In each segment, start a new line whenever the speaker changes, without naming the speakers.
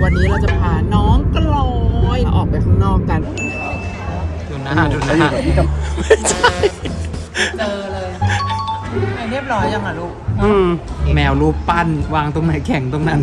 วันนี้เราจะพาน้องกลอยออกไปข้างนอกกันดูหน้าไม่ใช่เจอเลยเรียบร้อยยังอ่ะลูกแมวรูปปั้นวางตรงไหนแข่งตรงนั้น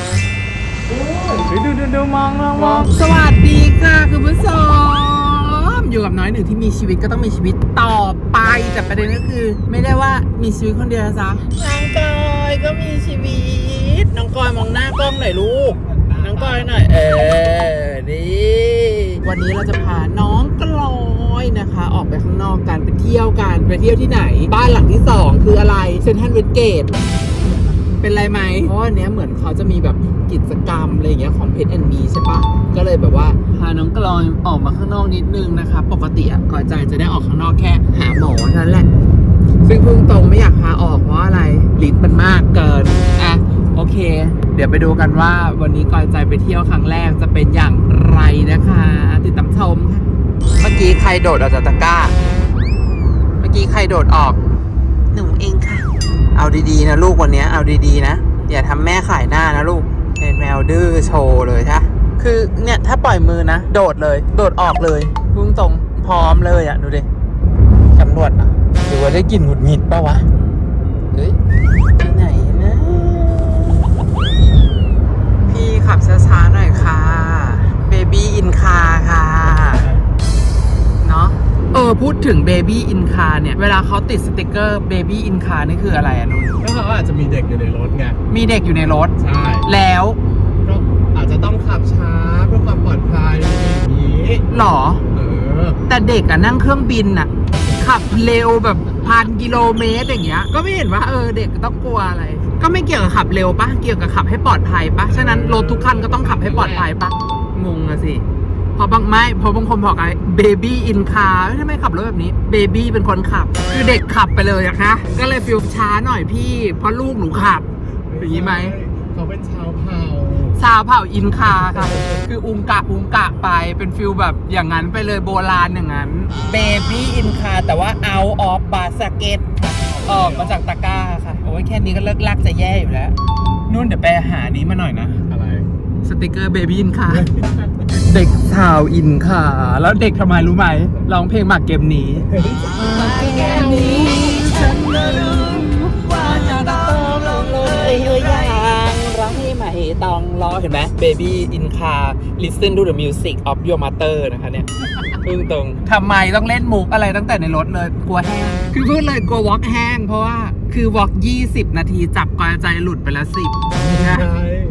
ดูมองสวัสดีค่ะคุณผู้ชมอยู่กับน้อยหนึ่งที่มีชีวิตก็ต้องมีชีวิตต่อไปแต่ประเด็นก็คือไม่ได้ว่ามีชีวิตคนเดียวนะจ๊ะน้องกอยก็มีชีวิตน้องกอยมองหน้ากล้องหน่อยลูกน้องกอยหน่อยนี่วันนี้เราจะพาน้องกลอยนะคะออกไปข้างนอกกันไปเที่ยวที่ไหนบ้านหลังที่2คืออะไรเซ็นทรัลเวสเกตเป็นไรไหมเพราะว่าเนี้ยเหมือนเขาจะมีแบบกิจกรรมอะไรอย่างเงี้ยของเพชรแอนด์มีใช่ปะก็เลยแบบว่าพาน้องกลอยออกมาข้างนอกนิดนึงนะคะปกติก่อยใจจะได้ออกข้างนอกแค่หาหมอเท่านั้นแหละซึ่งพุ่งตรงไม่อยากพาออกเพราะอะไรลิ้นมันมากเกินโอเคเดี๋ยวไปดูกันว่าวันนี้กอยใจไปเที่ยวครั้งแรกจะเป็นอย่างไรนะคะติดตามชมค่ะเมื่อกี้ใครโดดออกจากตะกร้าเมื่อกี้ใครโดดออกหนูเองค่ะเอาดีๆนะลูกวันนี้เอาดีๆนะอย่าทำแม่ขายหน้านะลูกเป็นแมวดื้อโชว์เลยใช่คือเนี่ยถ้าปล่อยมือนะโดดเลยโดดออกเลยพุ่งตรงพร้อมเลยดูดิตำรวจนะหรือว่าได้กลิ่นหงุดหงิดป่าวะเฮ้ยไปไหนนะพี่ขับช้าๆหน่อยค่ะเบบี้อินคาค่ะเนาะพูดถึง Baby in Car เนี่ยเวลาเขาติดสติกเกอร์ Baby in Car นี่คืออะไรนุ่น
ก็เขาอาจจะมีเด็กอยู่ในรถไง
มีเด็กอยู่ในรถ
ใช่
แล้ว
ก็อาจจะต้องขับช้าเพื่อความปลอดภัยอย่างนี้
หรอแต่เด็กนั่งเครื่องบินขับเร็วแบบ1,000 กิโลเมตรอย่างเงี้ยก็ไม่เห็นว่าเด็กต้องกลัวอะไรก็ไม่เกี่ยวกับขับเร็วปะเกี่ยวกับขับให้ปลอดภัยปะฉะนั้นรถทุกคันก็ต้องขับให้ปลอดภัยปะงงอะสิพอบางคนบอกไอ้เบบี้อินคาร์ทำไมขับรถแบบนี้เบบี้เป็นคนขับคือเด็กขับไปเลยอะคะก็เลยฟิลช้าหน่อยพี่เพราะลูกหนูขับอย่างนี้ไหม
เขาเป็นชาวเผ่
าอินคาค่ะคืออุงกะไปเป็นฟิลแบบอย่างนั้นไปเลยโบราณอย่างนั้นเบบี้อินคาแต่ว่า out of basket ออกมาจากตะกร้าค่ะโอ้ยแค่นี้ก็เลิกลักจะแย่อยู่แล้วนุ่นเดี๋ยวไปหานี้มาหน่อยนะ
อะไร
สติกเกอร์เบบี้อินคาเด็กชาวอินคาแล้วเด็กทำไมรู้ไหมร้องเพลงหมากเกมนี้แค่นี้ฉันก็รู้ว่าจะต้องลงเลยอย่างร้องให้ใหม่ต้องรอเห็นไหม Baby in car listen to the music of your mother นะคะเนี่ยพึ่งตรงทำไมต้องเล่นมุกอะไรตั้งแต่ในรถเลยกลัวแห้งคือพูดเลยกลัววอล์กแห้งเพราะว่าคือวอล์ก20 นาทีจับกอยใจหลุดไปแล้ว10นะ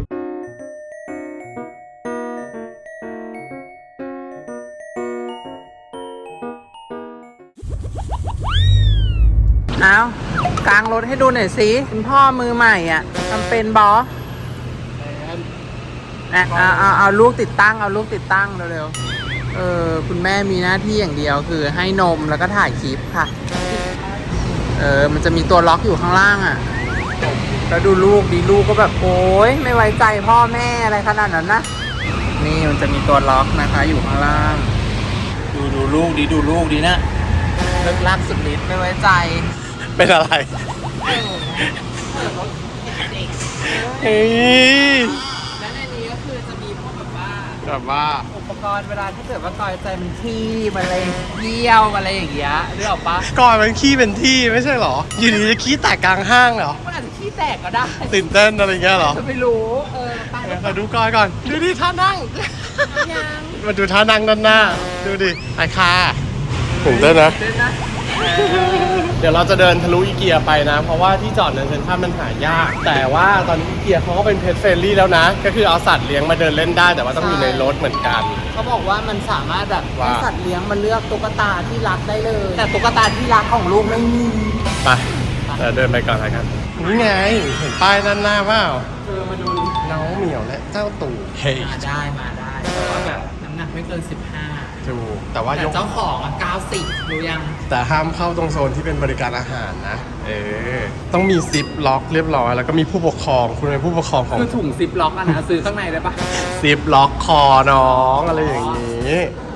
เอากลางรถให้ดูหน่อยสิคุณพ่อมือใหม่ทำเป็นบอเอาลูกติดตั้งเร็วๆคุณแม่มีหน้าที่อย่างเดียวคือให้นมแล้วก็ถ่ายคลิปค่ะมันจะมีตัวล็อกอยู่ข้างล่างแล้วดูลูกลูกก็แบบโอ๊ยไม่ไว้ใจพ่อแม่อะไรขนาดนั้นนะนี่มันจะมีตัวล็อกนะคะอยู่ข้างล่างดูลูกดีนะเลิกลักสุดฤทธิ์ไม่ไว้ใจ
เป็นอะไรเฮ้ย
และในนี้ก็คือจะมีพวกแบบ
ว่า
อุปกรณ์เวลาที่เกิดว่ากอยใจมันขี้มันอะไรเยี่ยวอะไรอย่างเงี้ยนึกออกปะ
ก่อนมันขี้เป็นที่ไม่ใช่หรออยู่ดีจะขี้แตกกลางห้างเหรอ
มันอาจจะขี้แตกก็ได้
ตื่นเต้นอะไรเงี้ยหรอ
ไม่รู้
ไปดูก่อนดูดิท่านั่งมาดูท่านั่งด้านหน้าดูดิไอ้ค่ะตื่นเต้นนะเดี๋ยวเราจะเดินทะลุอีเกียไปนะเพราะว่าที่จอดในเซ็นทรัลมันหายากแต่ว่าตอนนี้อีเกียเขาก็เป็นเพจเฟรนลี่แล้วนะก็คือเอาสัตว์เลี้ยงมาเดินเล่นได้แต่ว่าต้องอยู่ในรถเหมือนกัน
เขาบอกว่ามันสามารถแบบให้สัตว์เลี้ยงมาเลือกตุ๊กตาที่รักได้เลยแต่ตุ๊กตาที่รักของลูกไม่มี
ไปเดินไปก่อนอะไรกันนี่ไงเห็นป้ายด้านหน้าเปล่า
มาดู
น้องเหมียวและเจ้าตู่เฮ้ย
มาได้แต่ว่าแบบน้ำหนักไม่เกิน15
ถูกแต่ว่า
เจ้าของ90รู้ยัง
แต่ห้ามเข้าตรงโซนที่เป็นบริการอาหารนะต้องมีซิปล็อกเรียบร้อยแล้วก็มีผู้ปกครองคุณเป็นผู้ปกครองของ
คือถุงซิปล็อกนะซื้อข้างในได้ปะ
ซิปล็อกคอน้องอะไรอย่างนี้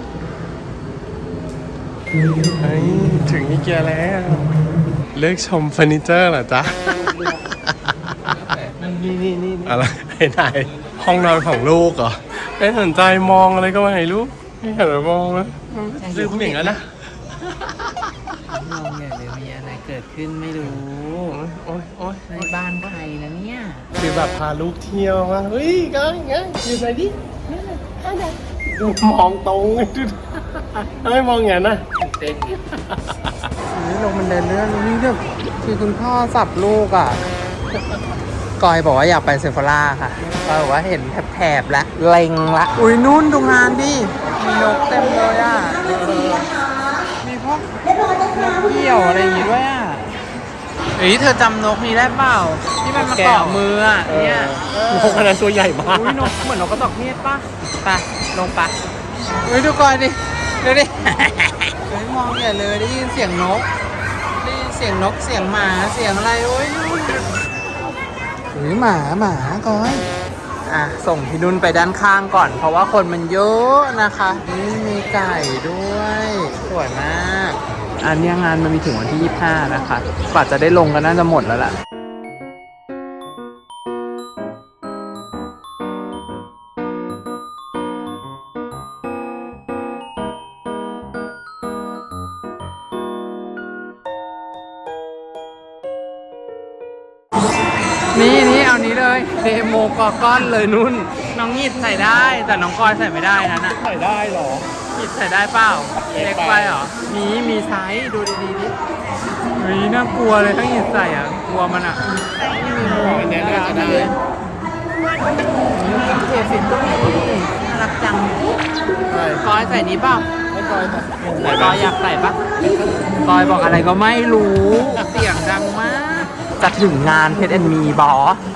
ถึงอีเกียแล้วเลือกชมเฟอร์นิเจอร์เหรอจ๊ะนี่อะไรไหนโหห้องนอนของลูกเหรอไม่สนใจมองอะไรก็ไม่รู้ไม่เห็นหรือมองนะลืมอย่างนั้นนะ
มองอย่างเดี๋ยวมีอะไรเกิดขึ้นไม่รู้
โอ๊ยโอ๊ย
ในบ้านใครนะเนี่ย
คือแบบพาลูกเที่ยวมาเฮ้ยก็อย่างเงี้ยอยู่ไหนดิดูมองตรงดูไม่มองอย่างนั้นนะ
เต้นนี่ลงมันเดินเรื่องนี่แบบคือคุณพ่อสับลูกอ่ะกอยบอกว่าอยากไปเซฟ h ร่าค่ะกอยบอกว่าเห็นแถบๆแล้วเล็งละอุ้ยนู่นดูงานดิมีนกเต็มเลยอ่ะมีพวกนกเหี่ยวอะไรอย่างงี้ด้วยอ่ะเฮ้ยเธอจำนกนี้ได้เปล่าที่มันมาเกาะมืออ่ะเนี่ย
นกขนาดตัวใหญ่มาก
อุ้ยนกเหมือนนกกระจอกเทศป่ะไปลงไปอุ้ยดูก่อนดิดูดิ เฮ้ยมองใหญ่เลยได้ยินเสียงนกได้ยินเสียงนกเสียงหมาเสียงอะไรโอ้ยนู่นเฮ้ยหมาก้อยอ่ะส่งพี่นุ่นไปด้านข้างก่อนเพราะว่าคนมันเยอะนะคะนี่มีไก่ด้วยสวยมากอันนี้งานมันมีถึงวันที่25นะคะกว่าจะได้ลงก็น่าจะหมดแล้วล่ะนี่เอานี้เลยเดโมกอก้อนเลยนุ่นน้องหยิดใส่ได้แต่น้องกอยใส่ไม่ได้นะน่ะ
ใส่ได้หรอ
หยิดใส่ได้เปล่า
เล็
เล็
ก
ก
ไป
ไปเหรอมีไซส์ดูดีๆดิเฮ้ยน่ากลัวเลยถ้าหยิดใส่อ่ะกลัวมันอ่ะนี่มีหัว
อันเนี้ยน่าจะได้
เทสินก็มีน่ารักจัง
ใช่
กอยใส่นี้เปล่า
ไม่กอยแต่
กอยอยากใส่ปะกอยบอกอะไรก็ไม่รู้เสียงดังมากจะถึงงานเพชรแอนมีบอ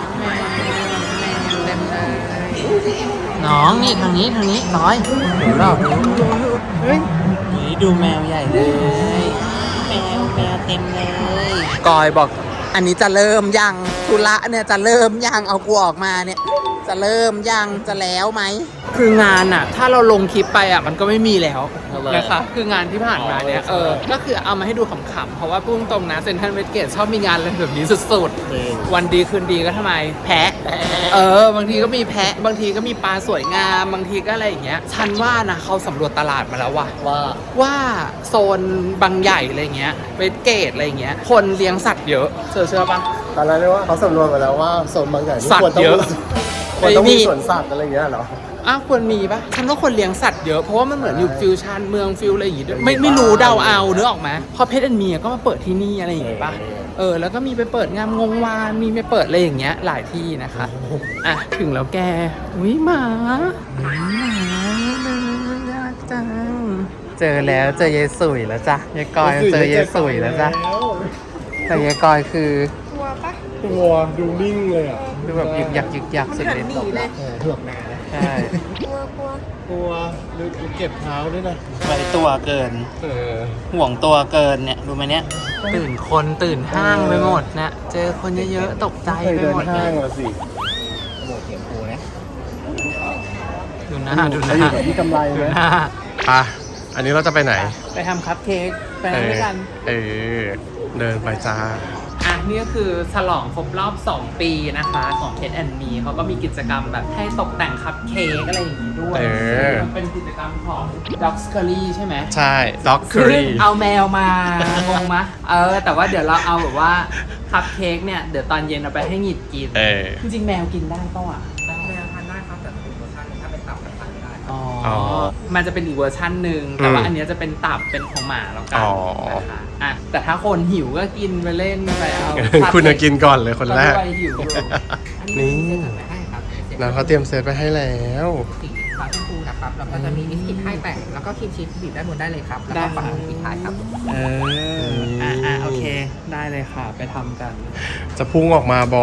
เต็มเลยน้องนี่ทางนี้น้อยเห็นเปล่าเฮ้ยนี่ดูแมวใหญ่เลยแมวเต็มเลยกอยบอกอันนี้จะเริ่มยังธุระเนี่ยจะเริ่มยังเอากูออกมาเนี่ยจะเริ่มยังจะแล้วไหมคืองานอ่ะถ้าเราลงคลิปไปอ่ะมันก็ไม่มีแล้วนะคะคืองานที่ผ่านมาเนี่ยก็คือเอามาให้ดูขำๆเพราะว่าพุ่งตรงนะเซ็นทรัลเวสเกตชอบมีงานอะไรแบบนี้สุดๆวันดีคืนดีก็ทำไมแพะบางทีก็มีแพะบางทีก็มีปลาสวยงามบางทีก็อะไรอย่างเงี้ยฉันว่านะเขาสำรวจตลาดมาแล้วว่าโซนบางใหญ่อะไรเงี้ยเวสเกตอะไรเงี้ยคนเลี้ยงสัตว์เยอะเชื่อปะ
ตอนแรกเรียกว่าเขาสำรวจมาแล้วว่าโซนบางอย่างที่
สัตว์
ควรต้อง
เยอะ
ควรต้อง
ไม่
มี
มี
สวนสัตว์อะไรอย่างเงี้ยเหรอ
อ้าวควรมีปะฉันว่าคนเลี้ยงสัตว์เยอะเพราะว่ามันเหมือนอยู่ฟิวชั่นเมืองฟิวอะไรอย่างงี้ด้วยไม่รู้เดาเอาเนื้อออกไหมพอเพชรแอนด์มีก็มาเปิดที่นี่อะไรอย่างงี้ปะแล้วก็มีไปเปิดงามงงวานมีไปเปิดอะไรอย่างเงี้ยหลายที่นะคะอ่ะถึงแล้วแกอุ้ยหมาน่ารักจังเจอแล้วเจอยายสุยแล้วจ้ะยายกอยเจอยายสุยแล้วจ้ะแต่ยายกอยคือ
ตัวดูนิ่งเลยอ่ะ
ดูแบบยึกยักสุดฤทธิ์
เหือกแม่นะ
ใช่
กลัวดูเก็บเท้าด้วยนะ
ไปตัวเกิน ห่วงตัวเกินเนี่ยดูไหมเนี่ยตื่นคนตื่นห้างไปหมดนะเจอคนเยอะๆตกใจ
เคย
ไป
เดิน
หมด
ห้างละสิ
ดูหน้าดูห
ไป
น้า
อยู่กับพี่กำไร
ดู
ไหม
หน้า
อ่ะอันนี้เราจะไปไหน
ไปทำคัพเค้กไปนั่งด้วยกัน
เดินไปจ้า
อ่ะนี่ก็คือฉลองครบรอบ 2 ปีนะคะของเพชรแอนด์มีเขาก็มีกิจกรรมแบบให้ตกแต่งคัพเค้กอะไรอย่างนี้ด้วยมันเป็นกิจกรรมของ Dog Curry ใช่ไหม
ใช่ด็อกเคอรี่
เอาแมวมางงมะแต่ว่าเดี๋ยวเราเอาแบบว่าคัพเค้กเนี่ยเดี๋ยวตอนเย็นเอาไปให้หงิดกินจริงๆแมวกินได้ป่ะวะแมวทานได้ครับแต่เป็นเวอร์ชันถ้าเป็นตับก็ทานไม่ได้อ๋อมันจะเป็นอีกเวอร์ชันหนึ่งแต่ว่าอันเนี้ยจะเป็นตับเป็นของหมาแล้วกันนะคะอ่ะแต่ถ้าคนหิวก็กินไปเล่นไปเอา
คุณจะกินก่อนเลยคนแรก
ก็ด้วยหิวอยู่
นี่นะเขาเตรียมเซตไปให้แล้ว
สีฟ้าชมพูนะครับแล้วก็จะมีบิสกิตให้แต่งแล้วก็ครีมชีสบีบด้านบนได้เลยครับ แล้วก็ฝาปิดท้ายครับ
โอเคได้เลยค่ะไปทำกัน
จะพุ่งออกมาบอ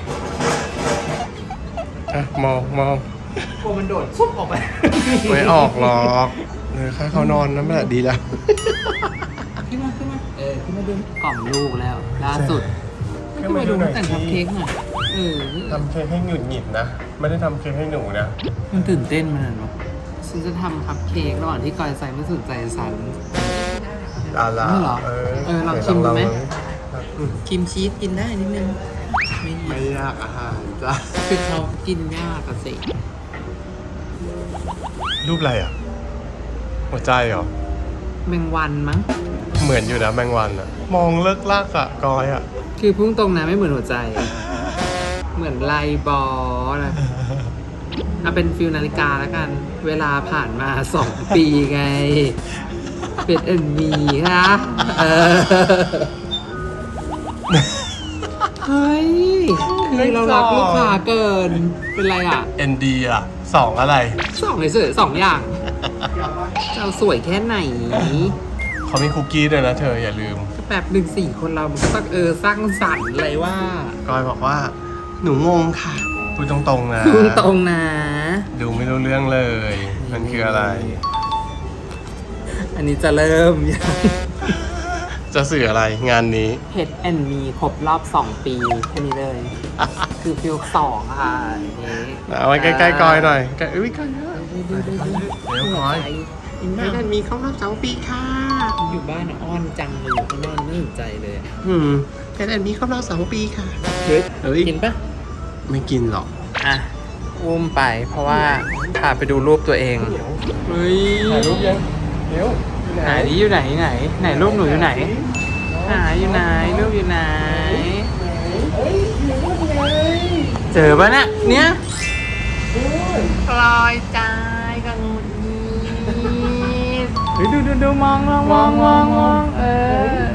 อ่ะมอง
กลัวมันโดดซุบออกไป
ไม่ออกหรอกค่าเขานอนนั่นแหละดีแล้ว
ขึ้นมาขึ้นมาดูกล่อมลูกแล้วล่าสุดขึ้นมาดูแต่งคัพเค้กหน่อย
ทำเค้กให้หงุดหงิดนะ ไม่ได้ทำเค้กให้หนูนะ
มันตื่นเต้นมันเนาะฉันจะทำคัพเค้กระหว่างที่กอยใส่ไม่สนใจฉัน
อะไร
นี่เหรอลองชิมดูไหม
ลอง
ครีมชีสกินได้นิดนึงไม่หิ
ไม่
วย
ากอาหารจ้ะ
คือเขากินยากอะสิ
รูปอะไรอ่ะ หัวใจเหรอ
แมงวันมั้ง
เหมือนอยู่นะแมงวันอ่ะ มองเลิกลากอ่ะกอยอ่ะ
คือพุ่งตรงนะไม่เหมือนหัวใจ เหมือนไลบอลนะเอาเป็นฟิลนาฬิกาแล้วกัน เวลาผ่านมา2 ปีไง เป็นเอ็นมีค่ะเออเฮ้ย คือเรารักลูกค้าเกิน เป็นไรอ่ะ
ND อ่ะ2อะไร
เฉยๆ2 อย่างจะเอาสวยแค่ไหน
เขามีคุกกี้ด้วยนะเธออย่าลืม
แบบ1-4 คนเรามันก็ต้องสร้างสรรค์เลยว่าก
อยบอกว่า หนูงงค่ะพูดตรงๆนะ
พุ่งตรงนะ
ดูไม่รู้เรื่องเลย มันคืออะไร
อันนี้จะเริ่มยัง
จะสื่ออะไรงานนี้
เห็ดแอนมีครบรอบ 2 ปีแค่นี้เลย คือฟิล2ค่ะนี่
เอาไว้ใกล้ๆกอยหน่อยใกล้อุ้ยกอยเยอะเดี๋ยวกอย
อิน
เฮ
บ้า
ดแอนมีครบรอบ2 ปีค่ะ
อยู่บ้านอ้อนจังเลยอยู่ข้างนอกไม่สนใจเลย
เฮดแอนมีครบรอบ2 ปีค่ะ
เฮ้ย
เฮ้ย
กินปะ
ไม่กินหรอก
อ่ะ อุ้มไปเพราะว่าพาไปดูรูปตัวเองเฮ้ย
ถ่ายรูปยังเดี๋ยว
ไหนนี่อยู่ไหนไหนรูปหนูอยู่ไหนอยู่ไหนรูปอยู่ไหน เจอปะเนี่ยปลอยใจกังวลเฮ้ยดูมองเออ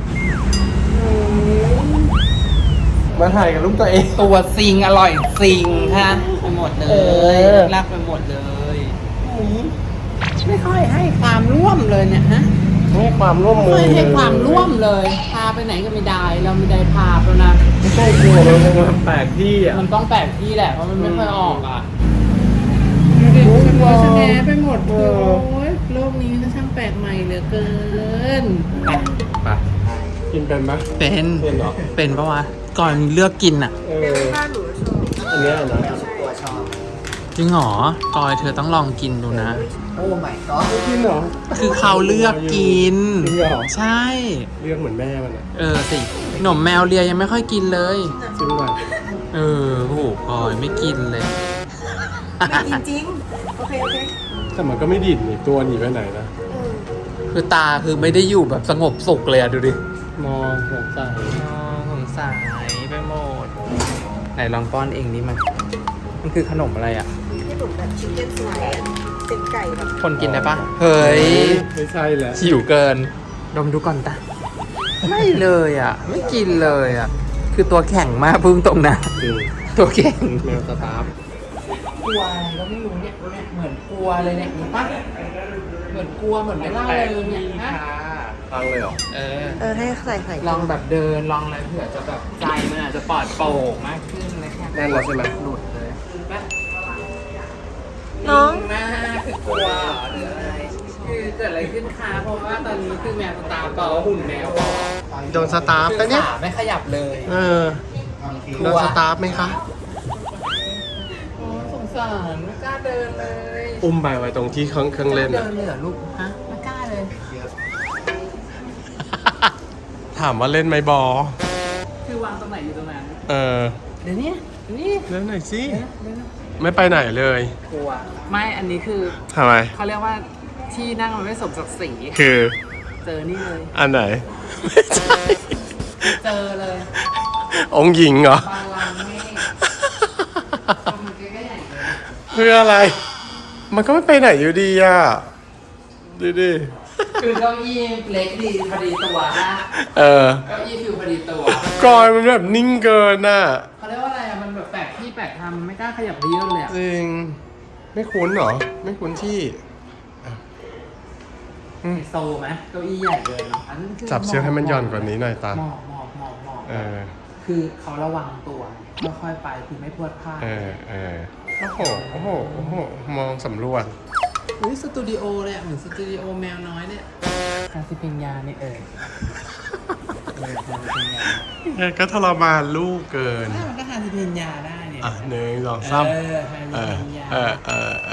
มาถ่ายกับรูปตัวเอง
ตัวซิงอร่อยซิงค่ะไปหมดเลยรักไปหมดเลยไม่ค่อยให้ความร่วมเลยเนี่ยฮะ
ให้ความร่วมมื
ไม่
อ
ให้ความร่วมเลย พาไปไหนก็ไม่ได้ เราไม่ได้พาแล้วนะ
ไม่ใช่กลัวมันแปลกที่อ่ะ
มันต้องแปลกที่แหละเพราะมันไม่ค่อยออกอ่ะดูดิฉันว่าฉันแหนไปหมดเลยโอ้ยโลกนี้มันช่างแปลกใหม่เหลือเกิน
ไปกินเป็นไหม
เป็น
เป็นเหรอ
เป็นปะวะก่อนเลือกกินอ่ะ
อันเนี้ยนะ
ตัวชอบ
จริงเหรอกอยเธอต้องลองกินดูนะ
โอ้ my god
กินเหรอ
คือเขาเลือกกิน
จริงเหรอ
ใช่
เรียกเหมือนแม่มันอ่ะ
สิหนมแมวเลียยังไม่ค่อยกินเลย
จริงป่ะ
โอ้โหกอยไม่กินเลย
ไม่จริงๆ โอเค
แต่มันก็ไม่ดิ่นนี่ตัวหนีไปไหนนะ
คือตาคือไม่ได้อยู่แบบสงบสุขเลยอะดูดิ
มองสงสัย
สงสัยไปหมด ไหนลองป้อนเองดิมันคือขนมอะไรอะ
ที่หนูแบบชิคเก้นสไลด์เป็นไก่แบบ
คนกินได้ปะเฮ้ย
ไม่ใช่แหละ
หิวเกิน ดมดูก่อนตาไม่เลยอะไม่กินเลยอะคือตัวแข็งมากพึ่งตรงนะ
จริง
ตัวแข็ง
แมวสตาร์ฟ
กลัวอะไรก็ไม่รู้เนี่ยเหมือนกลัวเลยเนี่ยเห็นปะเหมือนกลัวเหมือนไม่ล่าเลยเนี่ยนะ
ฟังเลยเหรอ
ให้ใส่
ลองแบบเดินลองอะไรเผื่อจะแบบใจมันอาจจะปลอดโปร่งมากขึ้นเลยค่ะ
แน่นแล้วใช่ไหม
หลุดเลยปะ
น้อง
มากคือกลัวหรืออะไรคือเกิดอะไรขึ้นคะเพราะว่าตอนนี้คือแมวตาเปล่าหุ่นแมวเปล่า
โดนสตาร์ฟ
คือ
ปะเนี่ย
ขาไม่ขยับเลย
โดนสตาร์ฟไหมคะ
โอ้สงสารไม่กล้าเดินเลย
อุ้มไปไว้ตรงที่เครื่องเล่น
เดิ
อะ
นเลยเหรอลูกฮะไม่กล้าเลย
ถามว่าเล่นไหมบอ
คือวางตรงไหนอยู่ตรงนั้น
เดี๋ยวหน่อยสิ
เดี๋ยวนะ
ไม่ไปไหนเลย
กลัวไม่อันนี้คือ
ทำไม
เขาเรียกว่าที่นั่งมันไม่สมศักดิ์ศรี
คือ
เจอนี่เลย
อันไหน ไม่ใช่
เจอเลย
องค์หญิงเหรอ
บาลังก์นี่มันใกล้ๆใหญ่เลย
เพื่ออะไร มันก็ไม่ไปไหนอยู่ดีอ่ะดูดิ
คือเก้าอี้เล็กดีพอดีตัวนะ
เออ
เก้าอี้ฟิวพอดีตัว
กอยมันแบบนิ่งเกินน่ะ
เขาเรียกว่าอะไรอะมันแบบแปลกที่แปลกทางมันไม่กล้าขยับไปเยอะเลยอะ
จริง ไม่คุ้นเหรอ ไม่คุ้นที่
ไฮโซไหมเก้าอี้ใหญ่เลยเนาะอันนั้นคือ
จับเชือกให้มันหย่อนกว่านี้หน่อยตา
หมอบ
เออ
คือเขาระวังตัวค่อยๆไปคือไม่พลวดพลาด
โอ้โห โอ้โห โอ้โห มองสำรวจ
อุ้ยสตูดิโอเลยอะเหมือนสตูดิโอแมวน้อยเนี่ยคาสิปิญญาเนี่ยคาสิปิญญา
ก็ทรมานลูกเกิน
ถ้ามันก็คาสิปิญญาได้เนี่ย
อ่ะหนึ่งสองสาม
คาสิปิญญา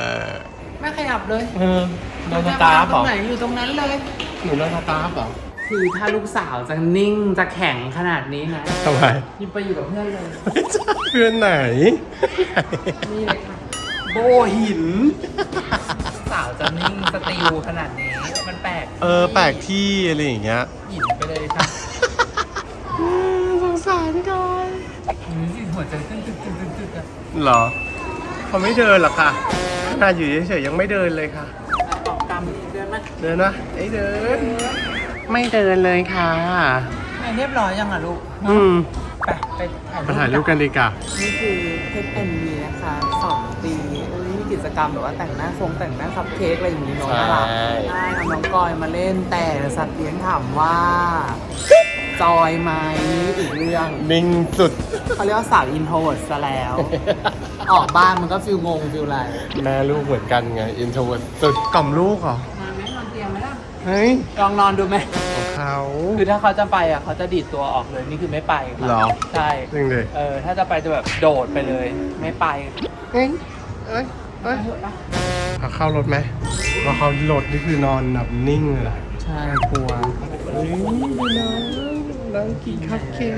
ไม่ขยับเลย
โดนสตาร์ฟ
ต
เหร
ร
อง
ไหนอยู่ตรงนั้นเลย
หนูโดนสตาร์ฟเหรอ
คือถ้าลูกสาวจะนิ่งจะแข็งขนาดนี้นะ
ทำไม
ยิ่งไปอยู่กับเพื่อนเลย
เพื่อนไหน
นี่เลยค่ะ
โบหิน
สาวจะนิ่งสติลขนาดนี้ มันแปลก
แปลกที่อะไรอย่างเงี้ย
หินไปเลยค่ะ
สงสารก่อน
นี่สิหัวใจเต้นตึกๆๆๆอะ
เหรอเขาไม่เดินหรอกค่ะขนาดอยู่เฉยๆยังไม่เดินเลยค่ะ
ออกกรรมเดินมา
เดินนะไอ้เดิน ไม่เดินเลยค่ะ
เรียบร้อยยังอ่ะลูก ไปถ่าย
มาถ่ายรูปกันดีกว่า
นี่คือเพชรแอนมีนะคะ2 ปีมีกิจกรรมแบบว่าแต่งหน้าคัพเค้กอะไรอย่างนี้เน้องน่ารักได้เอาน้องกอยมาเล่นแต่สัตว์เลี้ยงถามว่าจอยไหมอีกเรื่อง
นิ่งสุด
เขาเรียกว่าสาวอินโทรเวิร์ดซะแล้ว ออกบ้านมันก็ฟิลงงฟิลอะไร
แม่ลูกเหมือนกันไง อินโทรเวิร์ดสุดกล่อมลูกเหรอ
มาไหมนอนเตียงไหมล่ะ
เฮ้ย
ลองนอนดูไหม
ของเขา
คือถ้าเขาจะไปอ่ะเขาจะดีดตัวออกเลยนี่คือไม่ไปค่ะ
เหรอ
ใช่
จริงดิ
ถ้าจะไปจะแบบโดดไปเลย ไม่ไป
เอ้ยเอ้ยเอ้ยเขาเข้ารถไหมว่าเขารถนี่คือนอนแบบนิ่งเลยล่ะ
ใช่
กลัวเฮ้ยดูน้องกินคัพเค้ก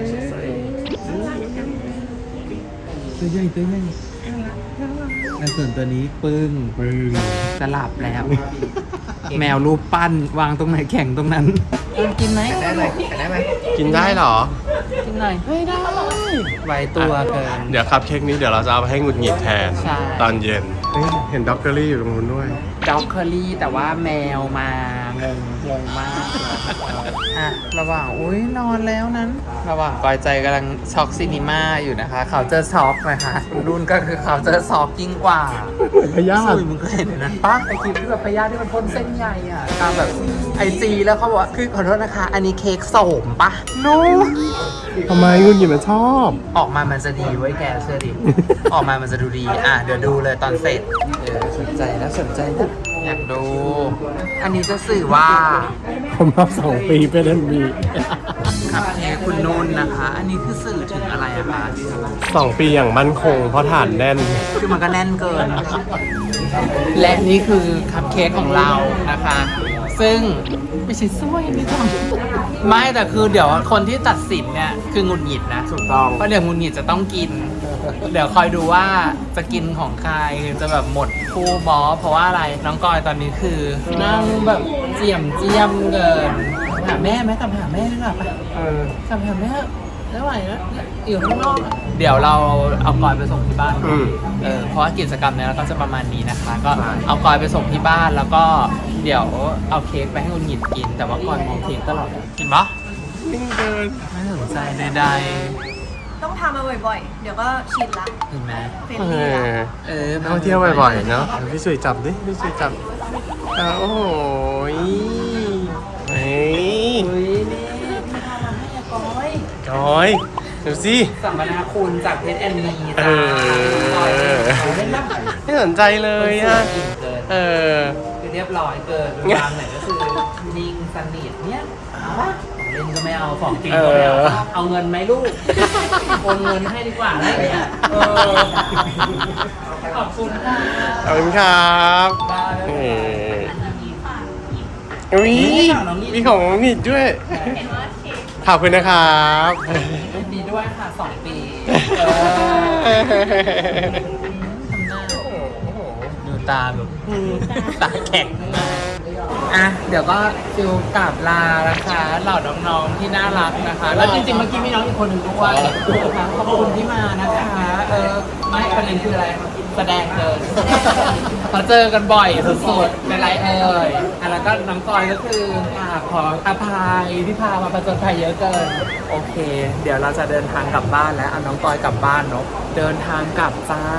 ตัวใหญ่ในส่วนตัวนี้ปึ้ง
ปึ้ง
จะหลับแล้ว แมวรูปปั้นวางตรงไหนแข่งตรงนั้นกินไหม
ได้ไหมได้ไหม
กินได้เหรอ
กินหน่อยไม่ได้ไว้ตัวเกิน
เดี๋ยวคัพเค้กนี้เดี๋ยวเราจะเอาไปให้หงุดหงิดแทน
ใช่
ตอนเย็นเฮ้ยเห็นด็อกเกอรี่อยู่ตรงนู้นด้วย
ด็อกเคอรี่แต่ว่าแมวมางงมากอ่ะระหว่างอุ้ยนอนแล้วนั้น ระหว่างกอยใจกำลังช็อกซินิม่าอยู่นะคะเขาเจอช็อกนะคะรุ่นก็คือเขาเจอช็อกยิ่งกว่า
พยาธิ
สุยมึงเคยเห็นนั้นปะไอคลิปที่แบบพยาธิที่มันพ่นเส้นใหญ่อ่ะตามแบบIG แล้วเขาบอกว่าคือขอโทษนะคะ อันนี้เค้กโสมปะโน
ทำไมหงุดหงิดมันชอบ
ออกมามันจะดีไว้ยแกเชื่อดิ ออกมามันจะดูดี อ่ะ เดี๋ยวดูเลยตอนเสร็จสนใจแล้วอยากดู อันนี้จะสื่อว่า
ผมรับ2 ปีเป็น NB
ครับเค้กคุณนุ่นนะคะ อันนี้คือสื่อถึงอะไรอะคะ
2 ปีอย่างมั่นคงเพราะฐานแน่น
คือมันก็แน่นเกิน และนี่คือคัพเค้กของเรานะคะ ซึ่งไม่ใช่ซ้วยนี่ต้องไม่แต่คือเดี๋ยวคนที่ตัดสินเนี่ยคือหงุดหงิดนะ
ถูกต้อง
เพราะเดี๋ยวหงุดหงิดจะต้องกิน เดี๋ยวคอยดูว่าจะกินของใครจะแบบหมดคู่บอสเพราะว่าอะไรน้องกอยตอนนี้คือนั่งแบบเจียมเกินหาแม่ไหมกลับหาแม่ดีกว่าปะ กลับหาแม่ไม่ไหวแล้วอยู่ข้างนอกอะเดี๋ยวเราเอากอยไปส่งที่บ้าน เพราะว่ากิจกรรมเนี้ยเราก็จะประมาณนี้นะคะ ก็เอากอยไปส่งที่บ้านแล้วก็เดี๋ยวเอาเค้กไปให้คุณหยิดกิน แต่ว่ากอยมองเค้กตลอดเลยกินปะ
นิ่งเกิน
ไม่สนใจใด
ต้องทำมาบ่อยๆ เดี๋ยวก็ชินละ
ๆเห็นไหม
เป็นที่ละ
ท่องเที่ยวบ่อยๆเนาะพี่สุยจับดิพี่สุยจับโอ้โหเฮ้ย
เฮ้ยนี่
จอยดูสิ
สัมมนาคุณจากเพชรแอนนี
เอ
จ้า
อ
เล่นบ้าง
ไม่สนใจเลยอ่ะ
เกิน
เออ
คือเรียบร้อยเกินวางไหนก็คือนิ่งสนิทเนี่ยเอาปะของเล่นก็ไม่เอาของกินก็ไม่เอาเอาเงินไหมลูกโอนเงินให้ดีกว่าอะไรอย่างเงี้ยขอบคุณค่ะ
ขอบคุณครับ
บ้าแล้ว
อุ้ยมีของน้องนิดด้วย ขอบคุณนะครับ
ดีด้วยค่ะ2 ปีดูตาแบบตาแข็งมากอ่ะเดี๋ยวก็ฟิลกราบลานะคะเหล่าน้องๆที่น่ารักนะคะ แล้วจริงๆเมื่อกี้มีน้องอีกคนหนึ่งด้วยนะคะขอบคุณที่มานะคะไม่ประเด็นคืออะไรแสดงเกินเขาเจอกันบ่อยสุดๆเป็นไรเอ่ยแล้วก็น้องกอยก็คือขออภัยที่พามาประจนภัยเยอะเกินโอเค เดี๋ยวเราจะเดินทางกลับบ้านแล้วเอาน้องกอยกลับบ้านเนาะเดินทางกลับจ้า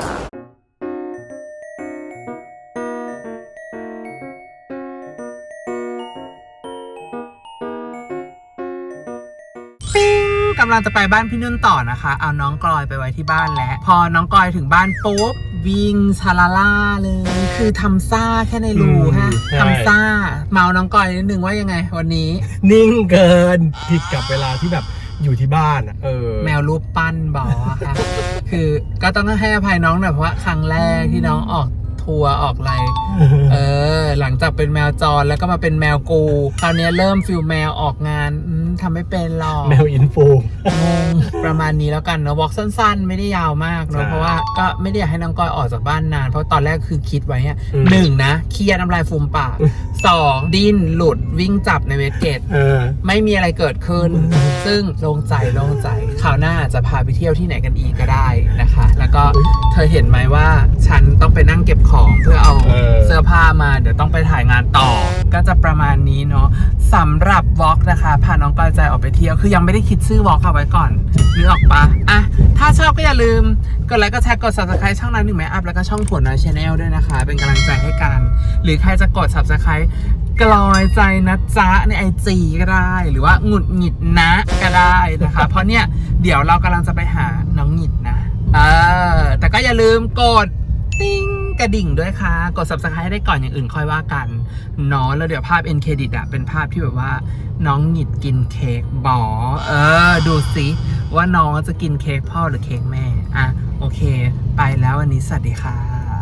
กำลังจะไปบ้านพี่นุ่นต่อนะคะ เอาน้องกลอยไปไว้ที่บ้านแล้ว พอน้องกลอยถึงบ้านปุ๊บวิ่งชาลาล่าเลย คือทำซ่าแค่ในรูฮะทำซ่า เมาน้องกลอยนิดนึงว่ายังไงวันนี้
นิ่งเกินผิดกับเวลาที่แบบอยู่ที่บ้านอ่ะ
แมวรูปปั้นบอกอะค่ะ คือก็ต้องให้อภัยน้องหน่อยเพราะว่าครั้งแรกที่น้องออกทัวร์ออกอะไร หลังจากเป็นแมวจรแล้วก็มาเป็นแมวกูคราวนี้เริ่มฟิลแมวออกงานทำไม่เป็นหรอก
แมวอินฟู
งงประมาณนี้แล้วกันเนาะวอล์กสั้นๆ ไม่ได้ยาวมากเนาะ
ใช่
เพราะว่าก็ไม่ได้อยากให้น้องก้อยออกจากบ้านนาน เพราะตอนแรกคือคิดไว้เนี่ย
อืม
หนึ่งนะเครียดน้ำลายฟูมปากสองดิ้นหลุดวิ่งจับในเวสเกต ไม่มีอะไรเกิดขึ้น ซึ่งโล่งใจคราวหน้าจะพาไปเที่ยวที่ไหนกันอีกก็ได้นะคะ แล้วก็เธอเห็นไหมว่าฉันต้องไปนั่งเก็บของเพื่อเอาเสื้อผ้ามาเดี๋ยวต้องไปถ่ายงานต่อ ก็จะประมาณนี้เนาะสำหรับวอล์กนะคะพาน้องก้อยใจออกไปเที่ยวคือยังไม่ได้คิดชื่อวอล์กเอาไว้ก่อนนึกออกปะอ่ะถ้าชอบก็อย่าลืมกดไลค์กดแชร์กด subscribe ช่องนั้นหนึ่งแม่อัพแล้วก็ช่องผลน้อย Channel ด้วยนะคะ เป็นกำลังใจให้กันหรือใครจะกด subscribe กลอยใจนะจ๊ะใน IG ก็ได้ หรือว่าหงุดหงิดนะก็ได้นะคะ เพราะเนี่ยเดี๋ยวเรากำลังจะไปหาน้องหงิดนะแต่ก็อย่าลืมกดติ้งกระดิ่งด้วยค่ะกด subscribe ให้ได้ก่อนอย่างอื่นค่อยว่ากันเนาะแล้วเดี๋ยวภาพ end credit อะเป็นภาพที่แบบว่าน้องหงิดกินเค้กบอดูสิว่าน้องจะกินเค้กพ่อหรือเค้กแม่อ่ะโอเคไปแล้ววันนี้สวัสดีค่ะ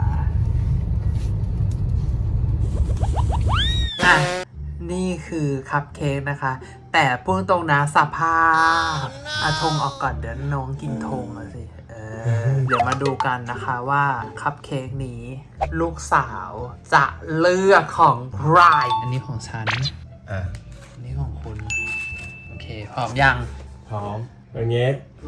อ่ะนี่คือคัพเค้กนะคะ แต่พูดตรงนะสภาพธงออกก่อนเดี๋ยวน้องกินธงอะสิเดี๋ยวมาดูกันนะคะว่าคัพเค้กนี้ลูกสาวจะเลือกของใครอันนี้ของฉัน อันนี้ของคุณ โอเคพร้อมยัง
พร้อมอย่างเงี้ย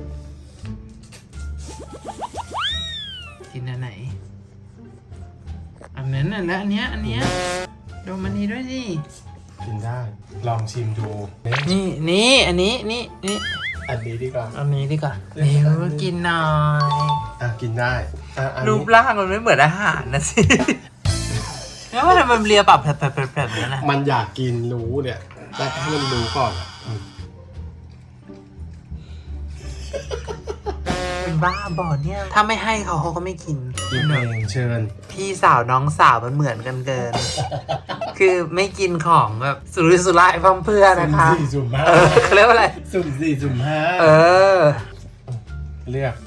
กินอันไหนอันนั้นน่ะและอันเนี้ยดูมันนี้ด้วยสิ
กินได้ ลองชิมดู
นี่อันนี้นี่
อันนี้ดีกว่า
อันนี้ดีกว่าเดี๋ยวกินหน่อย
กินได้อัน
รู
นี้
ปร่างมันไม่เหมือนอาหารนะสิ แล้วมันทำไมมันเลียปรับแผลบๆนั้นนะ
มันอยากกินรู้เนี่ยแต่ให้มันรู้ก่อนอะ
เป็นบ้าบอเนี่ยถ้าไม่ให้เขาก็ไม่กิน
กินเองเชิญ
พี่สาวน้องสาวมันเหมือนกันเกิน คือไม่กินของแบบสุรุ่ยสุร่ายพร่ำเพรื่อนะคะ
สุ่ม
เขาเรียกว่าอะไร
สุ่ม4สุ่ม5 เลือก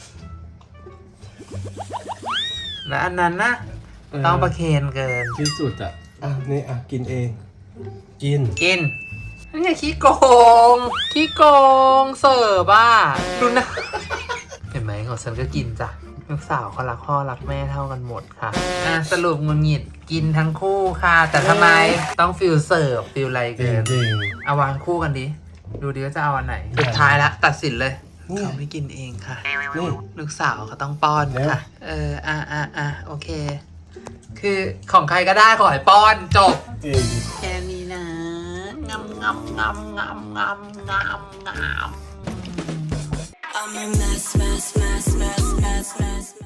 แล้วอันนั้นนะต้องประเคนเกิน
ที่สุดนี่กินเอง กิน
นี่ขี้โกงเสิร์ฟอ่ะดูนะ เห็นไหมของฉันก็กินจ้ะลูกสาวเขารักพ่อรักแม่เท่ากันหมดค่ะสรุปงุนหงิดกินทั้งคู่ค่ะ แต่ทำไมต้องฟิลเสิร์ฟฟิลอะไรเกิน
จริง
เอาวางคู่กันดิดูดิว่าจะเอาอันไหนสุดท้ายละตัดสินเลยเขาไม่กินเองค่ะ
นี่
ลูกสาวเขาต้องป้อนค่ะโอเค คือของใครก็ได้ขอให้ป้อนจบ
จริง
แค่นี้นะงำ
I'm a mess, mess, mess, mess, mess, mess.